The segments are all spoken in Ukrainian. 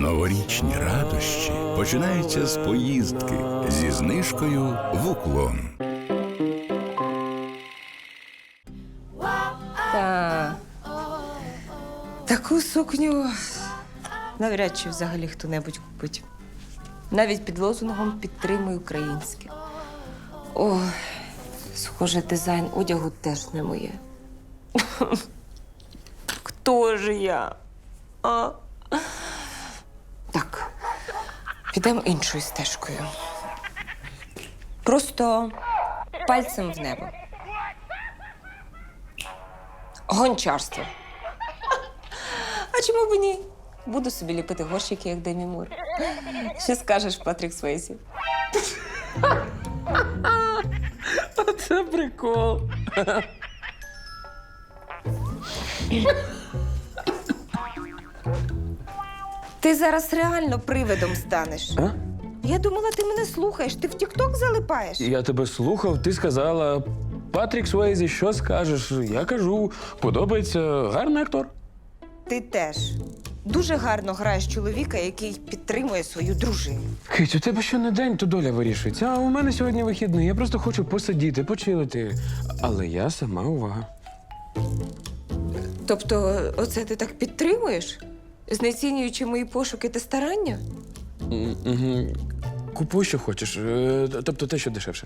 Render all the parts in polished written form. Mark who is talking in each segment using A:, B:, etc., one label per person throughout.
A: Новорічні радощі починаються з поїздки зі знижкою в Уклон.
B: Таку сукню навряд чи взагалі хто-небудь купить. Навіть під лозунгом «Підтримуй українське». Ой, схоже, дизайн одягу теж не моє. Хто ж я? А? Так, підемо іншою стежкою. Просто пальцем в небо. Гончарство. А чому б ні? Буду собі ліпити горщики, як Демі Мур. Що скажеш, Патрік Свейсі?
C: Це прикол.
B: Ти зараз реально привидом станеш.
C: А?
B: Я думала, ти мене слухаєш. Ти в Тік-Ток залипаєш?
C: Я тебе слухав, ти сказала, Патрік Суейзі, що скажеш? Я кажу, подобається, гарний актор.
B: Ти теж. Дуже гарно граєш чоловіка, який підтримує свою дружину.
C: Кить, у тебе що не день, то доля вирішується. А у мене сьогодні вихідний. Я просто хочу посидіти, почилити. Але я сама увага.
B: Тобто, оце ти так підтримуєш? Знецінюючи мої пошуки та старання?
C: Угу. Купуй, що хочеш. Тобто те, що дешевше.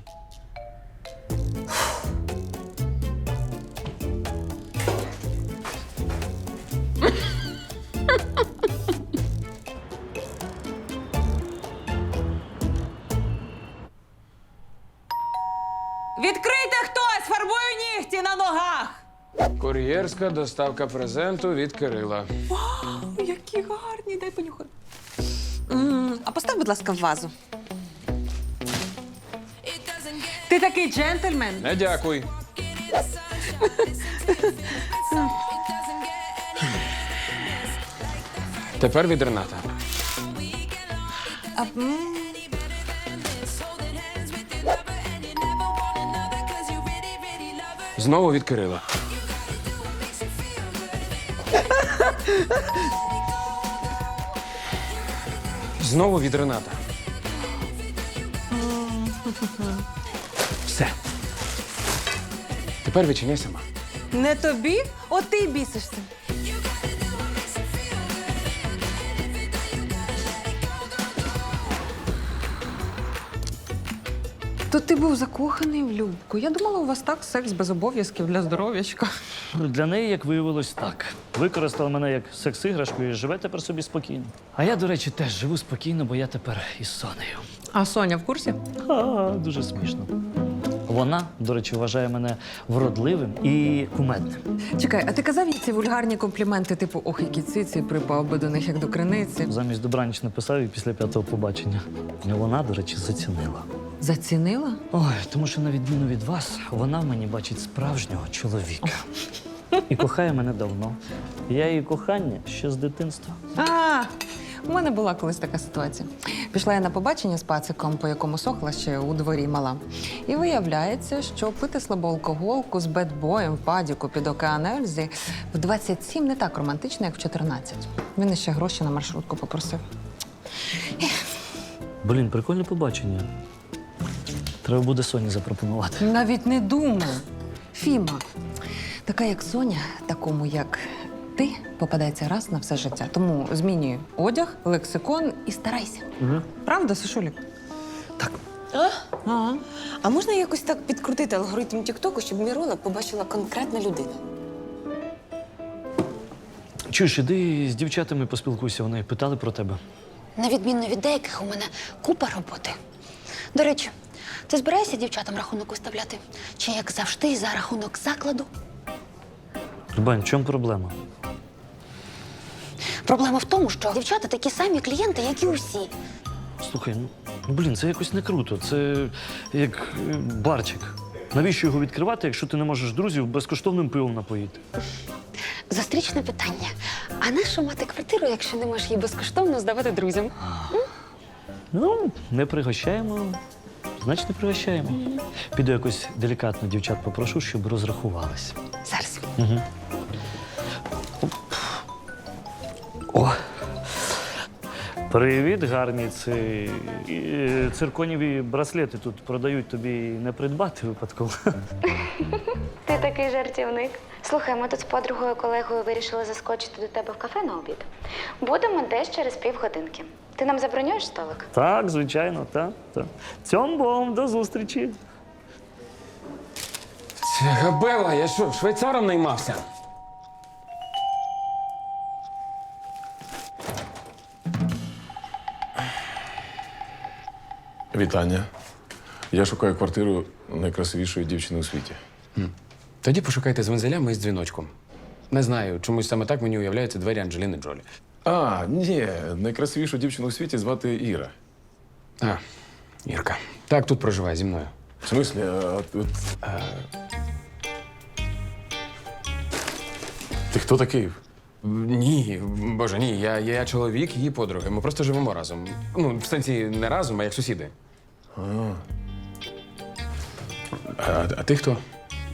B: Відкрийте хтось! Фарбую нігті на ногах!
C: Кур'єрська доставка презенту від Кирила.
B: Які гарні, дай понюхати. А постав, будь ласка, в вазу.
D: Ти такий джентльмен.
C: Не дякуй. Тепер від Рената. Знову від Кирила. Знову від Рената. Все. Тепер відчиняй сама.
D: Не тобі? От ти й бісишся. То ти був закоханий в Любку. Я думала, у вас так секс без обов'язків для здоров'ячка.
E: Для неї, як виявилось, так. Використала мене як секс-іграшку і живе тепер собі спокійно. А я, до речі, теж живу спокійно, бо я тепер із Сонею.
D: А Соня в курсі?
E: Дуже смішно. Вона, до речі, вважає мене вродливим і кумедним.
D: Чекай, а ти казав їй ці вульгарні компліменти, типу «ох, які циці», припав би до них як до криниці.
E: Замість добраніч написав і після 5-го побачення. І вона, до речі, зацінила.
D: Зацінила?
E: Ой, тому що, на відміну від вас, вона в мені бачить справжнього чоловіка. І кохає мене давно. Я її кохання ще з дитинства.
D: У мене була колись така ситуація. Пішла я на побачення з пациком, по якому сохла ще у дворі мала. І виявляється, що пити слабоалкоголку з бедбоєм в падіку під океан Ельзі в 27 не так романтично, як в 14. Він іще гроші на маршрутку попросив.
E: Блін, прикольне побачення. Треба буде Соні запропонувати.
D: Навіть не думай. Фіма, така як Соня, такому як ти, попадається раз на все життя. Тому змінюй одяг, лексикон і старайся.
E: Угу.
D: Правда, Сашулік?
E: Так.
D: Ага.
B: А можна якось так підкрутити алгоритм Тік-Току, щоб Мірона побачила конкретна людина?
E: Чуєш, іди з дівчатами поспілкуйся, вони питали про тебе.
F: На відміну від деяких, у мене купа роботи. До речі, ти збираєшся дівчатам рахунок виставляти? Чи, як завжди, за рахунок закладу?
E: Любань, в чому проблема?
F: Проблема в тому, що дівчата такі самі клієнти, як і усі.
E: Слухай, блін, це якось не круто. Це як барчик. Навіщо його відкривати, якщо ти не можеш друзів безкоштовним пивом напоїти?
F: Зустрічне питання. А нащо мати квартиру, якщо не можеш її безкоштовно здавати друзям?
E: Ну, не пригощаємо, значить не пригощаємо. Піду якось делікатно дівчат попрошу, щоб розрахувались.
F: Зараз.
E: Угу. О! Привіт, гарні. Цирконіві браслети тут продають, тобі не придбати випадково.
G: Ти такий жартівник. Слухай, ми тут з подругою колегою вирішили заскочити до тебе в кафе на обід. Будемо десь через півгодинки. Ти нам забронюєш столик?
E: Так, звичайно, так. Цьомбом, до зустрічі.
C: Це габела, я що, швейцаром наймався?
H: Вітання. Я шукаю квартиру найкрасивішої дівчини у світі.
C: Тоді пошукайте з вензелями і з дзвіночком. Не знаю, чомусь саме так мені уявляються двері Анджеліни Джолі.
H: А, ні, найкрасивішу дівчину у світі звати Іра.
C: А, Ірка. Так, тут проживає зі мною.
H: В смислі, ти хто такий?
C: Ні, боже, ні, я чоловік її подруги. Ми просто живемо разом. Ну, в сенсі не разом, а як сусіди. А ти хто?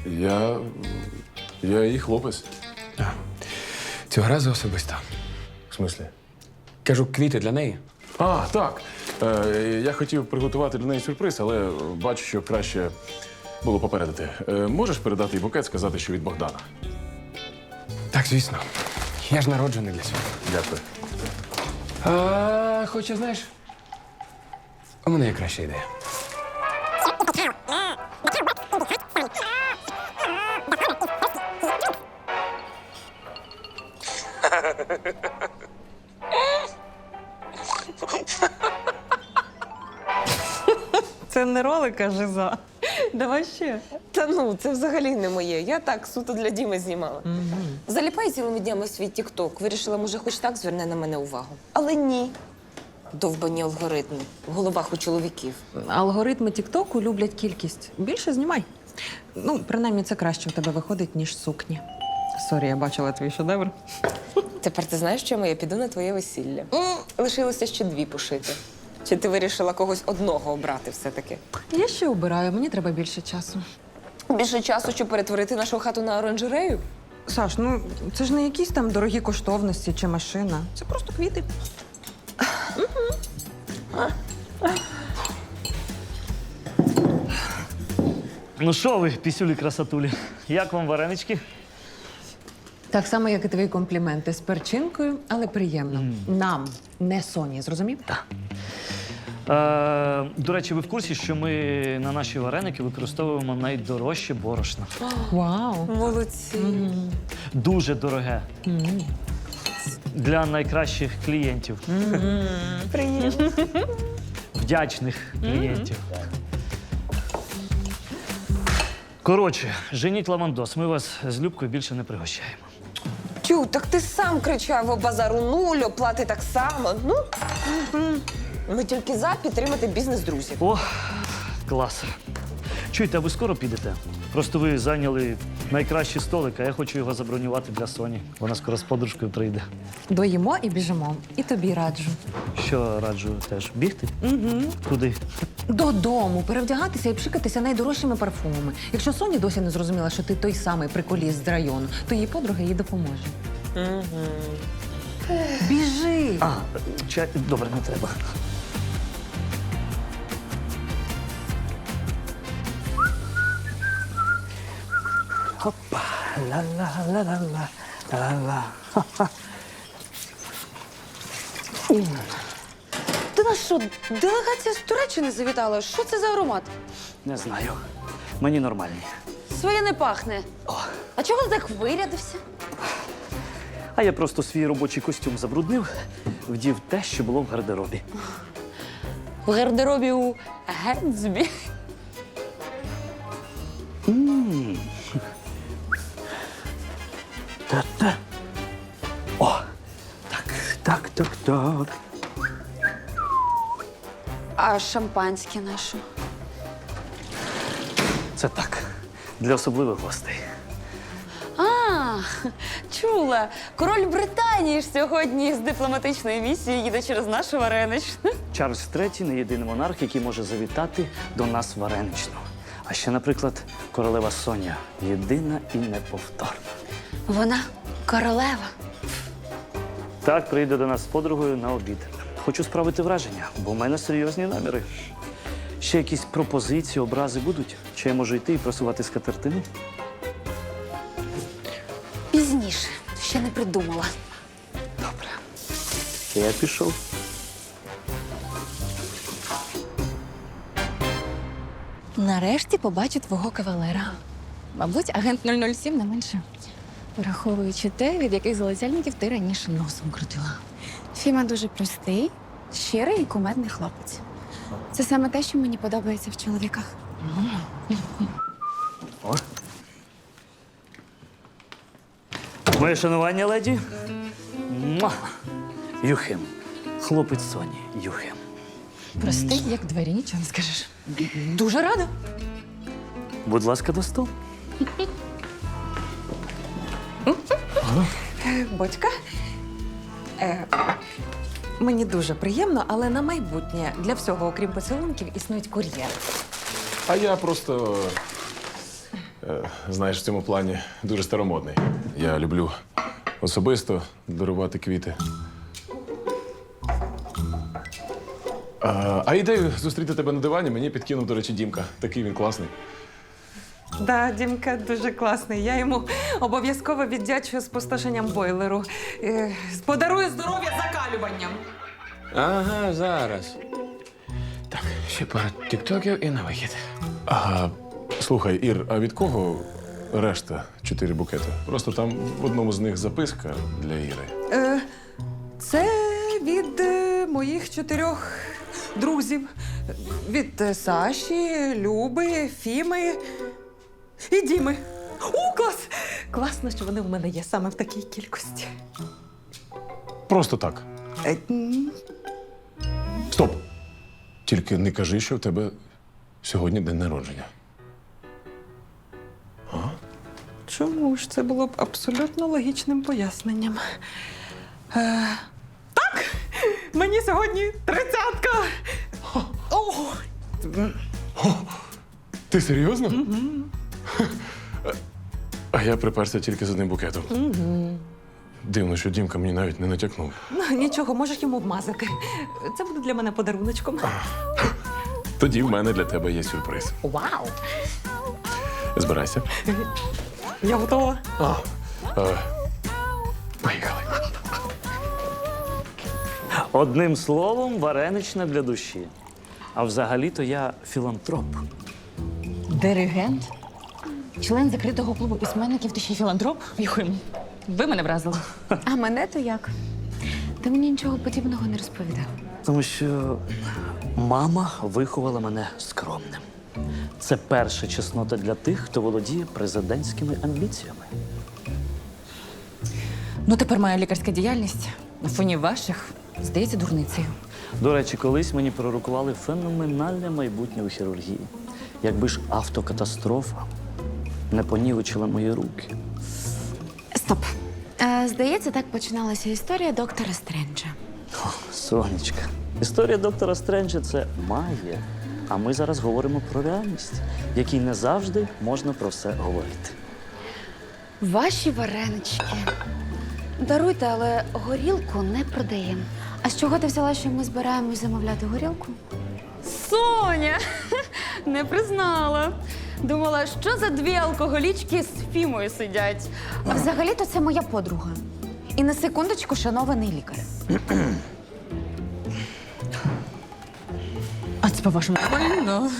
H: Я її хлопець.
C: Цього разу особисто.
H: В смислі?
C: Кажу, квіти для неї.
H: А, так. Я хотів приготувати для неї сюрприз, але бачу, що краще було попередити. Можеш передати їй букет, сказати, що від Богдана?
C: Так, звісно. Я ж народжений для цього.
H: Дякую.
C: Хоча, знаєш, у мене є краща ідея.
D: Це не ролик, а жиза. Давай ще.
B: Та ну, це взагалі не моє. Я так суто для Діми знімала. Заліпаю цілими днями в свій тік-ток. Вирішила, може, хоч так зверне на мене увагу. Але ні. Довбані алгоритми в головах у чоловіків.
D: Алгоритми Тіктоку люблять кількість. Більше знімай. Ну, принаймні, це краще в тебе виходить, ніж сукні. Сорі, я бачила твій шедевр.
B: Тепер ти знаєш, чому я піду на твоє весілля? Лишилося ще 2 пошити. Чи ти вирішила когось одного обрати все-таки?
D: Я ще обираю, мені треба більше часу.
B: Більше часу, щоб перетворити нашу хату на оранжерею?
D: Саш, ну це ж не якісь там дорогі коштовності чи машина. Це просто квіти.
E: Ну що ви, пісюлі красотулі, як вам варенички?
D: Так само, як і твої компліменти з перчинкою, але приємно. Нам, не Соні, зрозумів? Так.
E: До речі, ви в курсі, що ми на наші вареники використовуємо найдорожче борошно.
D: Вау!
B: Молодці.
E: Дуже дороге. Для найкращих клієнтів.
B: Приємно.
E: Вдячних клієнтів. Коротше, женіть лавандос, ми вас з Любкою більше не пригощаємо.
B: Тю, так ти сам кричав о базару нуль, оплати так само. Ну, ми тільки за підтримати бізнес друзів.
E: О, клас. Чуєте, а ви скоро підете? Просто ви зайняли найкращий столик, а я хочу його забронювати для Соні. Вона скоро з подружкою прийде.
D: Доїмо і біжимо. І тобі раджу.
E: Що раджу теж? Бігти? Угу. Куди?
D: Додому, перевдягатися і пшикатися найдорожчими парфумами. Якщо Соня досі не зрозуміла, що ти той самий приколіст з району, то її подруга їй допоможе. Біжи!
E: А, чай. Добре, не треба. Опа, ла-ла-ла-ла-ла, ла-ла.
B: Ти нас що, делегація з Туреччини завітала? Що це за аромат?
E: Не знаю. Мені нормальні.
F: Своє не пахне. А чого ти так вирядився?
E: А я просто свій робочий костюм забруднив, вдів те, що було в гардеробі.
F: В гардеробі у Гетсбі.
E: Та-та. О, так.
F: А шампанське наше?
E: Це так, для особливих гостей.
F: А, чула. Король Британії ж сьогодні з дипломатичної місії їде через нашу вареничну.
E: Чарльз III – не єдиний монарх, який може завітати до нас вареничну. А ще, наприклад, королева Соня – єдина і неповторна.
F: Вона королева.
E: Так, прийде до нас з подругою на обід. хочу справити враження, бо в мене серйозні наміри. Ще якісь пропозиції, образи будуть? Чи я можу йти і просувати скатертину?
F: Пізніше, ще не придумала.
E: Добре. Я пішов.
F: Нарешті побачу твого кавалера. Мабуть, агент 007 не менше. Враховуючи те, від яких залицяльників ти раніше носом крутила.
I: Фіма дуже простий, щирий і кумедний хлопець. Це саме те, що мені подобається в чоловіках.
E: О. Моє шанування, леді. Муа! Юхим. Хлопець Соні. Юхим.
D: Простий, як двері, нічого не скажеш. Дуже рада.
E: Будь ласка, до столу.
D: Бочка. Мені дуже приємно, але на майбутнє для всього, окрім поцілунків, існують кур'єри.
H: А я просто, знаєш, в цьому плані дуже старомодний. Я люблю особисто дарувати квіти. А ідею зустріти тебе на дивані мені підкинув, до речі, Дімка. Такий він класний.
D: Да, Дімка дуже класний. Я йому обов'язково віддячую спустошенням бойлеру. Подарую здоров'я закалюванням.
C: Ага, зараз. Так, ще пара тіктоків і на вихід.
H: Слухай, Ір, а від кого решта 4 букети? Просто там в одному з них записка для Іри.
D: Це від моїх 4 друзів. Від Саші, Люби, Фіми і Діми. О, клас! Класно, що вони в мене є саме в такій кількості.
H: Просто так. Стоп! Тільки не кажи, що в тебе сьогодні день народження.
D: Чому ж це було б абсолютно логічним поясненням? Так! Мені сьогодні 30-ка!
H: Ти серйозно? А я приперся тільки з одним букетом. Дивно, що Дімка мені навіть не натякнув.
D: Нічого, можеш йому вмазати. Це буде для мене подаруночком.
H: Тоді в мене для тебе є сюрприз.
D: Вау!
H: Збирайся.
D: Я готова.
H: Поїхали.
E: Одним словом, вареничне для душі. А взагалі-то я філантроп.
F: Диригент? Член закритого клубу письменників, ти ще й філантроп? Юхим, ви мене вразили.
I: А мене то як? Ти мені нічого подібного не розповідав.
E: Тому що мама виховала мене скромним. Це перша чеснота для тих, хто володіє президентськими амбіціями.
F: Ну, тепер моя лікарська діяльність на фоні ваших здається дурницею.
E: До речі, колись мені пророкували феноменальне майбутнє у хірургії. Якби ж автокатастрофа не понівечила мої руки.
I: Стоп. Здається, так починалася історія доктора Стренджа.
E: Сонечка, історія доктора Стренджа – це магія. А ми зараз говоримо про реальність, в якій не завжди можна про все говорити.
I: Ваші варенички. Даруйте, але горілку не продаємо. А з чого ти взяла, що ми збираємось замовляти горілку?
F: Соня! Не признала. Думала, що за 2 алкоголічки з Фімою сидять.
I: А взагалі-то це моя подруга. І на секундочку шанований лікар.
F: А це, по-вашому, нормально?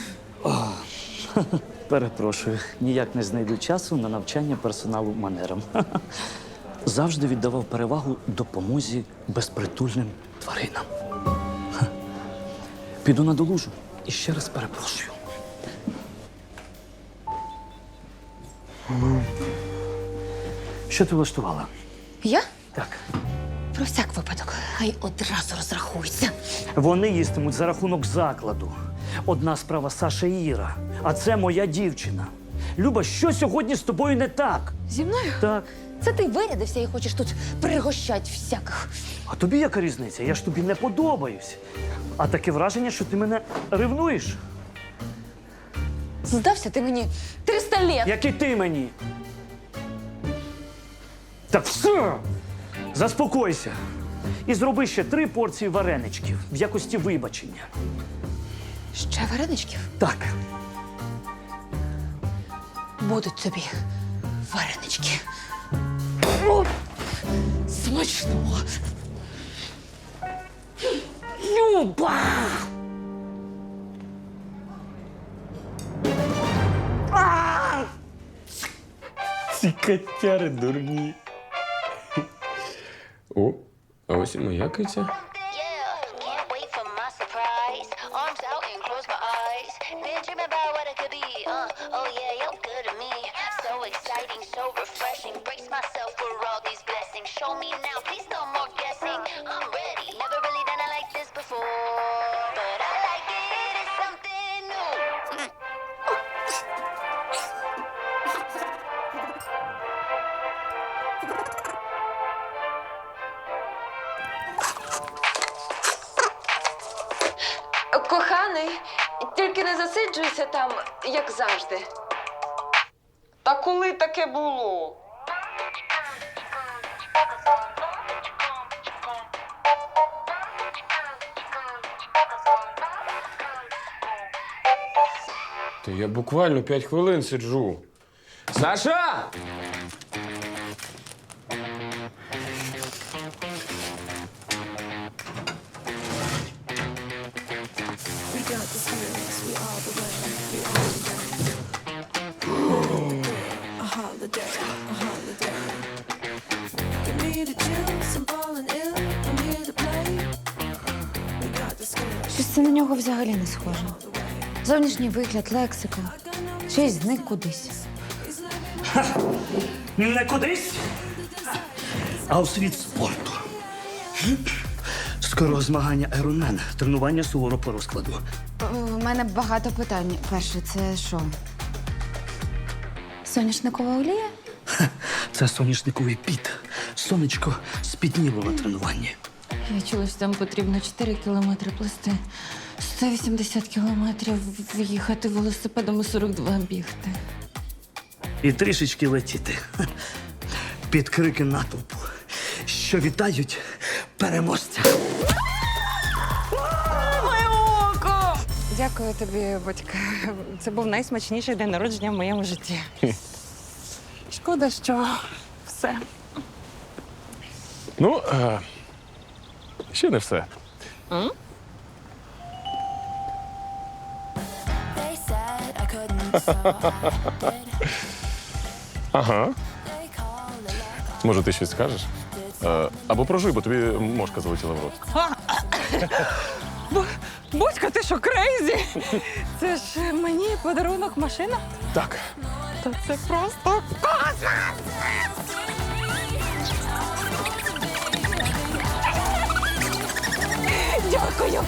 E: Перепрошую, ніяк не знайду часу на навчання персоналу манерам. Завжди віддавав перевагу допомозі безпритульним тваринам. Піду на долужу і ще раз перепрошую. Що ти влаштувала?
F: Я?
E: Так.
F: Про всяк випадок. Хай одразу розрахуйся.
E: Вони їстимуть за рахунок закладу. Одна справа Саша і Іра, а це моя дівчина. Люба, що сьогодні з тобою не так?
F: Зі мною?
E: Так.
F: Це ти вирядився і хочеш тут пригощать всяких.
E: А тобі яка різниця? Я ж тобі не подобаюсь. А таке враження, що ти мене ревнуєш.
F: Здався ти мені 300 літ.
E: Як і ти мені. Так все! Заспокойся. І зроби ще 3 порції вареничків в якості вибачення.
F: Ще вареничків?
E: Так.
F: Будуть тобі варенички. Смачно. Люба!
C: Ці котяри дурні. О, а ось і моя киця.
J: Yeah, can't wait for my surprise. Arms out and close my eyes. Been dreaming about what it could be. Oh yeah, you're good to me. So exciting, so refreshing. Brace myself for all these blessings. Show me now, please no more guessing. I'm ready. Never really done it like this before, but I like it. It's something new.
B: Коханий, тільки не засиджуйся там, як завжди. Та коли таке було?
C: Та я буквально 5 хвилин сиджу. Саша!
I: Щось це на нього взагалі не схоже. Зовнішній вигляд, лексика. Ще й зник кудись.
E: Не кудись, а у світ спорту. Скоро змагання Ironman. Тренування суворо по розкладу.
I: У мене багато питань. Перше, це що? Соняшникова олія?
E: Це соняшниковий піт. Сонечко спітніло на тренуванні.
F: Я чула, що там потрібно 4 кілометри плисти, 180 кілометрів їхати велосипедом і 42 бігти.
E: І трішечки летіти. Під крики натовпу, що вітають переможця.
D: Дякую тобі, батька. Це був найсмачніший день народження в моєму житті. Шкода, що все.
H: Ну, ще не все. Ага. Може, ти щось скажеш? Або прожуй, бо тобі мошка залетіла в рот.
D: Будька, ти що, крейзі? Це ж мені подарунок машина?
H: Так.
D: Та це просто космос! Дякую!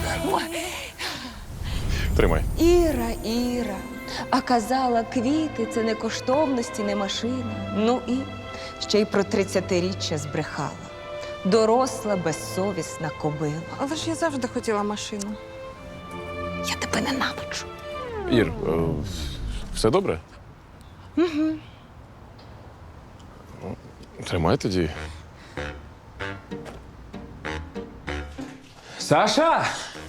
H: Тримай.
B: Іра. А казала, квіти це не коштовності, не машина. Ну і ще й про 30-річчя збрехала. Доросла, безсовісна кобила.
D: Але ж я завжди хотіла машину.
B: Я тебе ненавиджу.
H: Ір, все добре? Угу. Тримай тоді.
C: Саша!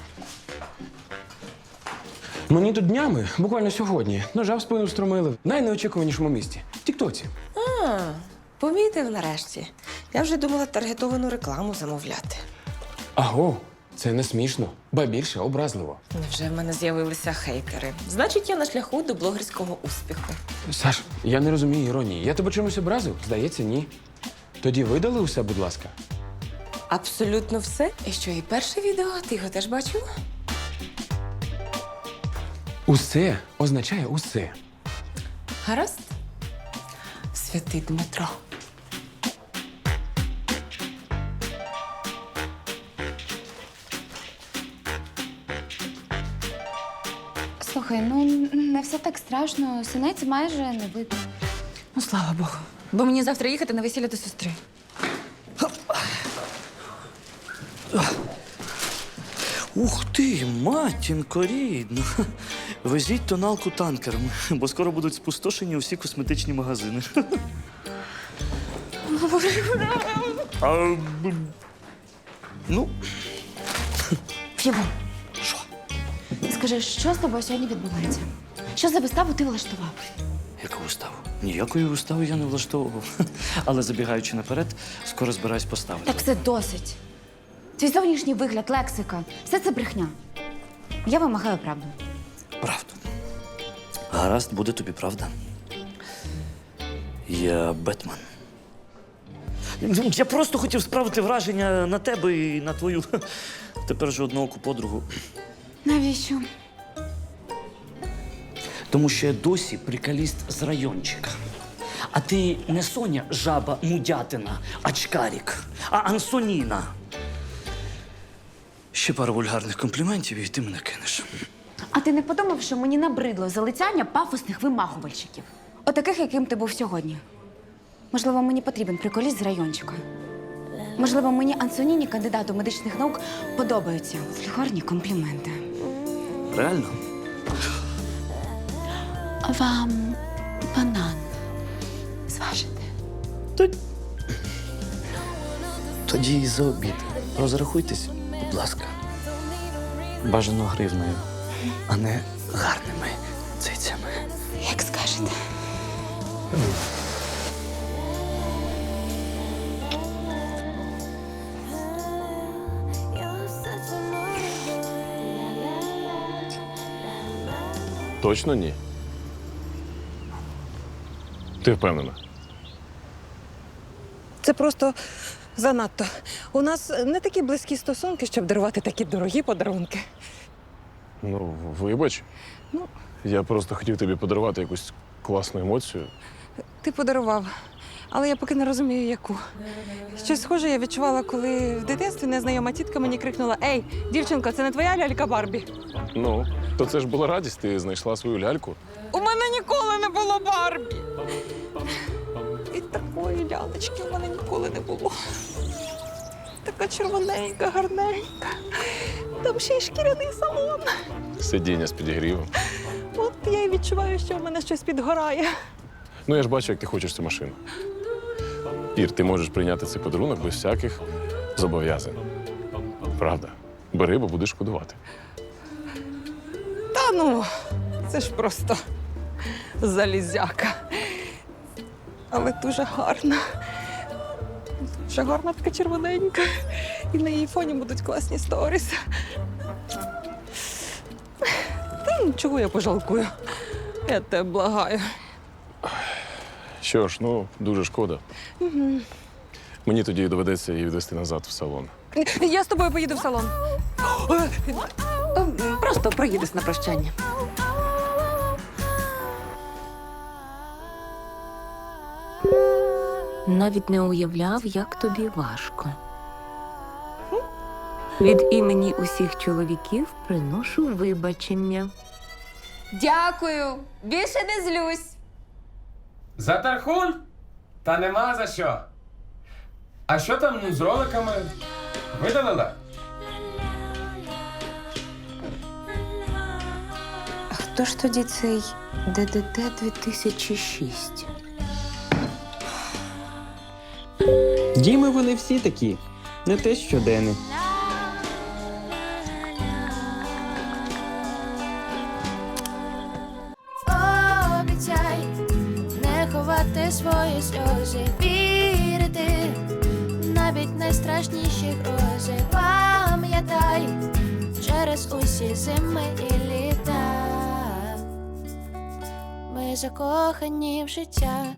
C: Мені тут днями, буквально сьогодні, ножа в спину встромили в найнеочікуванішому місці – в Тіктоці.
B: Помітив нарешті. Я вже думала таргетовану рекламу замовляти.
C: Аго, це не смішно, ба більше образливо.
B: Невже в мене з'явилися хейтери? Значить, я на шляху до блогерського успіху.
C: Саш, я не розумію іронії. Я тебе чимось образив? Здається, ні. Тоді видали усе, будь ласка.
B: Абсолютно все. І що, і перше відео? Ти його теж бачив?
C: Усе означає усе.
B: Гаразд? Святий Дмитро.
I: Слухай, ну не все так страшно. Синець майже не видно.
F: Ну, слава Богу. Бо мені завтра їхати на весілля до сестри.
E: Ух ти, матінко рідна. Везіть тоналку танкером, бо скоро будуть спустошені усі косметичні магазини. Ну,
I: Фігу,
E: що?
I: скажи, що з тобою сьогодні відбувається? Що за виставу ти влаштував?
E: Яку виставу? Ніякої вистави я не влаштовував. Але забігаючи наперед, скоро збираюсь поставити.
I: Так все досить. Твій зовнішній вигляд, лексика – все це брехня. Я вимагаю правду.
E: Правду. Гаразд, буде тобі правда. Я Бетмен. Я просто хотів справити враження на тебе і на твою тепер вже однооку подругу.
I: Навіщо?
E: Тому що я досі приколіст з райончика. А ти не Соня жаба мудятина, очкарік, а Ансоніна. Ще пару вульгарних компліментів, і ти мене кинеш.
I: А ти не подумав, що мені набридло залицяння пафосних вимахувальщиків? Отаких, яким ти був сьогодні. Можливо, мені потрібен приколіст з райончика. Можливо, мені Ансоніні, кандидату медичних наук, подобаються вульгарні компліменти.
E: Реально?
I: А вам банан зважити?
E: Тоді і за обід. Розрахуйтесь, будь ласка. Бажано гривнею, а не гарними цицями.
I: Як скажете.
H: Точно ні. Ти впевнена?
K: Це просто занадто. У нас не такі близькі стосунки, щоб дарувати такі дорогі подарунки.
H: Ну, вибач.
K: Ну.
H: Я просто хотів тобі подарувати якусь класну емоцію.
K: Ти подарував, але я поки не розумію, яку. Щось схоже я відчувала, коли в дитинстві незнайома тітка мені крикнула: «Ей, дівчинко, це не твоя лялька Барбі?»
H: Ну, то це ж була радість, ти знайшла свою ляльку.
K: У мене ніколи не було Барбі! І такої лялечки у мене ніколи не було. Така червоненька, гарненька. Там ще й шкіряний салон.
H: Сидіння з підігрівом.
K: От я й відчуваю, що у мене щось підгорає.
H: Ну, я ж бачу, як ти хочеш цю машину. Ір, ти можеш прийняти цей подарунок без всяких зобов'язань. Правда? Бери, бо будеш шкодувати.
K: Та ну, це ж просто залізяка. Але дуже гарна. Дуже гарна, така червоненька. І на її фоні будуть класні сторіс. Та чого я пожалкую? Я тебе благаю.
H: Що ж, ну, дуже шкода.
K: Угу.
H: Мені тоді доведеться її відвести назад в салон.
K: Я з тобою поїду в салон.
D: Просто проїдеш на прощання.
B: Навіть не уявляв, як тобі важко. Від імені усіх чоловіків приношу вибачення.
I: Дякую. Більше не злюсь.
C: За тархун? Та нема за що. А що там з роликами? Видалила?
B: А хто ж тоді цей ДДТ 2006?
L: Діми вони всі такі, не те що Дени.
J: Обіцяй не ховати свої сльози, вірити навіть найстрашніші грози. Пам'ятай через усі зими і літа. Ми закохані в життя.